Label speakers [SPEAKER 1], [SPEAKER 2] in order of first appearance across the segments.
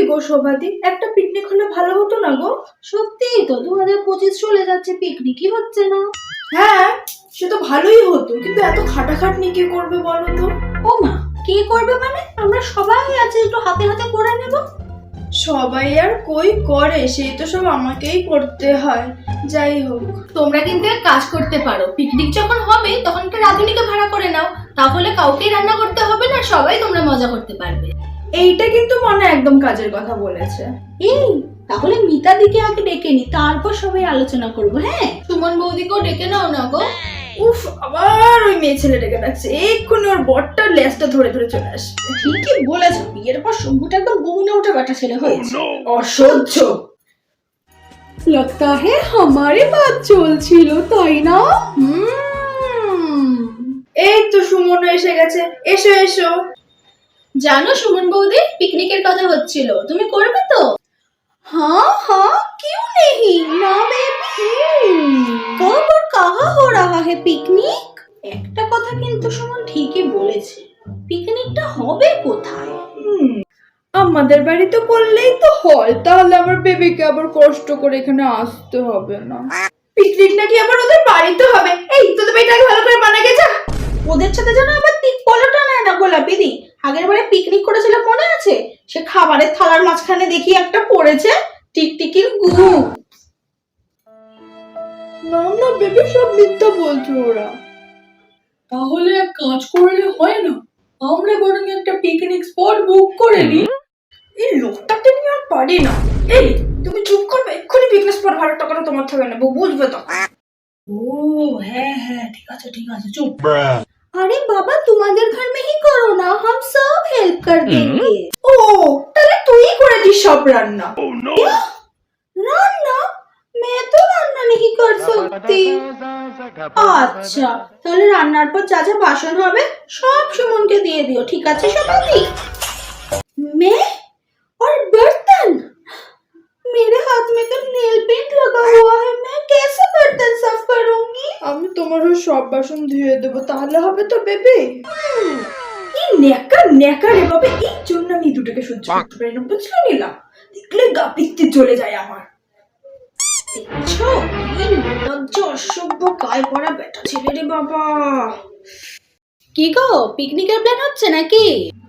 [SPEAKER 1] গো শোভাদি, একটা পিকনিক হলে ভালো হতো না গো?
[SPEAKER 2] সত্যিই তো 2025 চলে যাচ্ছে, পিকনিকই হচ্ছে না।
[SPEAKER 1] হ্যাঁ, সে তো ভালোই হতো, কিন্তু এত খাটাখাটনি কে করবে বলো তো?
[SPEAKER 2] ও মা, কে করবে মানে? আমরা সবাই আছে, একটু হাতে হাতে করে নেব।
[SPEAKER 1] সবাই আর কই করে, সেই তো সব আমাকেই করতে হয়। যাই হোক,
[SPEAKER 2] তোমরা কিন্তু এক কাজ করতে পারো, পিকনিক যখন হবে তখন একটা রাঁধুনিকে ভাড়া করে নাও, তাহলে কাউকেই রান্না করতে হবে না, সবাই তোমরা মজা করতে পারবে।
[SPEAKER 1] এইটা কিন্তু মনে একদম কাজের কথা বলেছে।
[SPEAKER 2] এই তাহলে মিতা দিকে আগে ডেকে নি, তারপর সবাই আলোচনা করবো। হ্যাঁ, সুমন বৌদিকেও ডেকে নাও না গো।
[SPEAKER 1] উফ, আবার ওই মেয়ে ছেলে ডেকে ডাকছে, এক্ষুনি ওর বরটার লেজটা ধরে ধরে চলে আসবে।
[SPEAKER 2] ঠিকই বলেছো, বিয়ের পর শম্ভুটা একদম বউনে উঠে বেটা ছেলে হয়েছে।
[SPEAKER 1] অসহ্য।
[SPEAKER 2] लगता है हमारी बात চলছিল, তাই না?
[SPEAKER 1] এই তো সুমন এসে গেছে, এসো এসো।
[SPEAKER 2] জানো সুমন বৌদি, পিকনিকের কথা হচ্ছিল, তুমি করবে তো? हाँ हाँ, क्यों नहीं ना बेबी। कब और कहाँ हो रहा है पिकनिक? একটা কথা কিন্তু সুমন ঠিকই বলেছে, পিকনিকটা হবে কোথায়?
[SPEAKER 1] আমাদের বাড়িতে করলেই তো হয়, তাহলে আমার বেবিকে আবার কষ্ট করে এখানে আসতে হবে না। পিকনিক নাকি আবার ওদের বাড়িতে হবে? এই তোদের বাড়িটাকে ভালো করে বানা গেছে।
[SPEAKER 2] ওদের সাথে যেন আবার পলোটা নেয় না গোলাপি দি। আগের বারে পিকনিক করেছিল মনে আছে? সে খাবারের থালার মাঝখানে দেখি একটা পড়েছে টিকটিকির গু।
[SPEAKER 1] না না বেবি, সব মিথ্যা বলছে ওরা।
[SPEAKER 3] তাহলে এক কাজ করলে হয় না, আমরা বরং একটা পিকনিক স্পট বুক করে নিই।
[SPEAKER 1] এই লোকটাকে নিয়ে আর পারি না। এই তুমি চুপ করবে, এক্ষুনি পিকনিক স্পট ভাড়া টাকাটা তোমার থেকে নেবো, বুঝবে তো?
[SPEAKER 3] ও হ্যাঁ হ্যাঁ, ঠিক আছে চুপ।
[SPEAKER 2] अरे बाबा, तुम्हारे घर में ही करो ना, हम सब हेल्प कर देंगे।
[SPEAKER 1] ও, তাহলে তুই করে দিস সব রান্না।
[SPEAKER 2] रान्ना? मैं तो रान्ना नहीं कर सकती। আচ্ছা, তাহলে রান্নার পর যা যা বাসন হবে সব সুমনকে দিয়ে দিও, ঠিক আছে সবাই? मैं और बर्तन? मेरे हाथ में तो नेल पेंट लगा हुआ है, मैं कैसे बर्तन साफ करूंगी?
[SPEAKER 1] আমি তোমার ওই সব বাসন ধুয়ে দেবো, তাহলে হবে তো বেবি? এই নেকা নেকা রে বাবা, এই জন্য আমি দুটোকে সহ্য করতে পারি না, বুঝলে নিলাম? দেখলে গা পিত্তি চলে যায় আমার।
[SPEAKER 2] দেখছো, কি নির্লজ্জ অসভ্য গায়ে পড়া বেটা ছেলে রে বাবা। কি গো, পিকনিকের প্ল্যান হচ্ছে নাকি?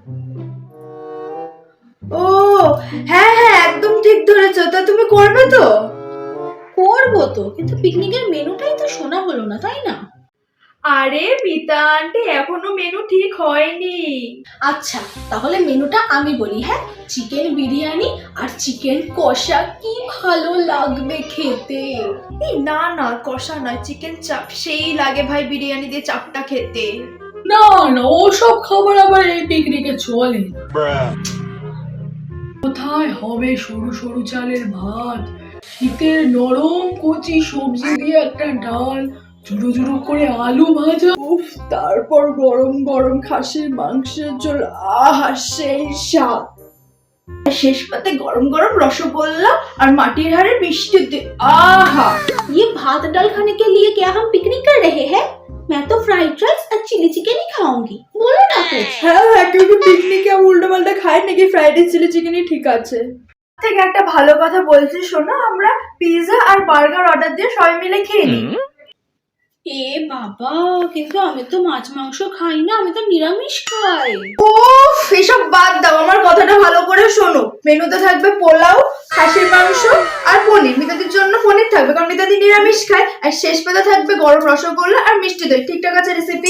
[SPEAKER 1] ও হ্যাঁ হ্যাঁ, একদম ঠিক ধরেছো। তা তুমি করবে তো?
[SPEAKER 2] করবো তো, কিন্তু পিকনিকের মেনুটাই তো শোনা হলো না, তাই না?
[SPEAKER 1] আরে মিতা আন্টি, এখনো মেনু ঠিক হয়নি।
[SPEAKER 2] আচ্ছা, তাহলে মেনুটা আমি বলি। হ্যাঁ, চিকেন বিরিয়ানি আর চিকেন কষা, কি ভালো লাগবে খেতে।
[SPEAKER 1] এই না না, কষা নয়, চিকেন চাপ সেই লাগে ভাই, বিরিয়ানি দিয়ে চাপটা খেতে।
[SPEAKER 3] না না, ওসব খাবার আবার এই পিকনিকে চলে না। কোথায় হবে সরু সরু চালের ভাত, শীতের নরম কচি সবজি দিয়ে একটা ডাল, জুড়ো জুড়ো করে আলু ভাজা,
[SPEAKER 1] উফ, তারপর গরম গরম খাসির মাংসের ঝোল, আহা সেই স্বাদ। শেষ পাতে গরম গরম রসগোল্লা আর মাটির হাড়ের মিষ্টি দিয়ে, আহা।
[SPEAKER 2] ये भात दाल खाने के लिए क्या हम पिकनिक कर रहे हैं? मैं तो फ्राइड राइस और चिली चिकन ही खाऊंगी, बोलो ना कुछ।
[SPEAKER 1] হ্যাঁ হ্যাঁ, কিন্তু পিকনিকে উল্টো পাল্টা খায় নাকি? ফ্রাইড রাইস চিলি চিকেনই ঠিক আছে। থেকে একটা ভালো কথা বলছি শোনো, আমরা পিৎজা আর বার্গার অর্ডার দিয়ে সবাই মিলে খেয়ে নিই।
[SPEAKER 2] এ বাবা, কিন্তু আমি তো মাছ মাংস খাই না, আমি তো নিরামিষ খাই।
[SPEAKER 1] উফ, এসব বাদ দাও, আমার কথাটা ভালো করে শোনো। মেনুতে থাকবে পোলাও, খাসির মাংস আর পনির। মিতাদির জন্য পনির থাকবে, কারণ মিতাদি নিরামিষ খায়। আর শেষ পাতে থাকবে গরম রসগোল্লা আর মিষ্টি দই। ঠিকঠাক আছে রেসিপি?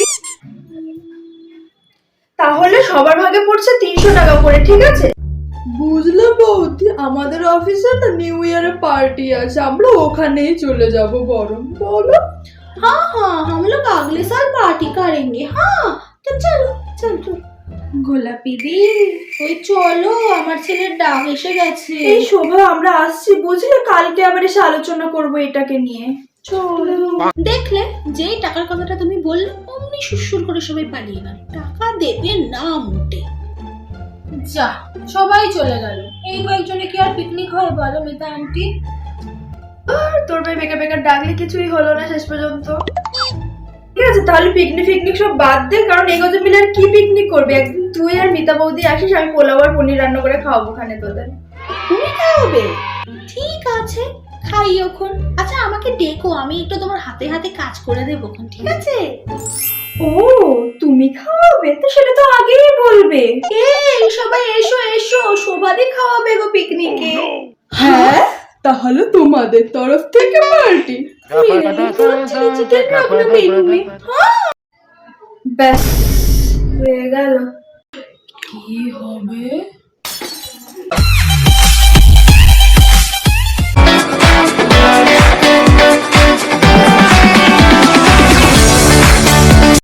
[SPEAKER 1] তাহলে সবার ভাগে পড়ছে 300 টাকা করে, ঠিক আছে? বুঝলে বৌদি, আমাদের অফিসে না নিউ ইয়ারে পার্টি আছে, আমরা ওখানেই চলে যাব বরং, বলো?
[SPEAKER 2] हाँ हाँ, हम लोग अगले साल पार्टी करेंगे। हाँ तो चलो चल चल। গোলাপি দি, ওই চলো, আমার ছেলের ডাক এসে গেছে।
[SPEAKER 1] এই শোভা, আমরা আসছি বুঝলে, কালকে আবার এসে আলোচনা করবো এটাকে নিয়ে।
[SPEAKER 2] চলো। দেখলে, যেই টাকার কথাটা তুমি বললে অমনি সুসুর করে সবাই পালিয়ে গেল, টাকা দেবে না মোটে। যা, সবাই চলে গেল, এই কয়েকজনে কি আর পিকনিক হয় বলো মিতা আন্টি?
[SPEAKER 1] আর তোর ভাই বেকার বেকার ডাকলে কিছুই হলো না শেষ পর্যন্ত। ঠিক আছে, তাহলে পিকনিক ফিকনিক সব বাদ দে, কারণ এই কজন মিলে আর কি পিকনিক করবি? একদিন তুই আর মিতা বৌদি আসিস, আমি পোলাও আর পনির রান্না করে খাওয়াবো ওখানে তোদের।
[SPEAKER 2] তুমি খাওয়াবে? ঠিক আছে, খাইও। আচ্ছা আমাকে ডেকো, আমি একটু তোমার হাতে হাতে কাজ করে দেবো, ঠিক আছে?
[SPEAKER 1] ও, তুমি খাওয়াবে? তো সেটা তো আগেই বলবে।
[SPEAKER 2] এই সবাই এসো এসো, শোভাদি খাওয়াবে গো পিকনিকে।
[SPEAKER 1] হ্যাঁ, তাহলে তোমাদের তরফ থেকে পার্টি।
[SPEAKER 2] চিকেন রাখবে মেনুতে।
[SPEAKER 1] ব্যাস, হয়ে গেল।
[SPEAKER 3] কি হবে?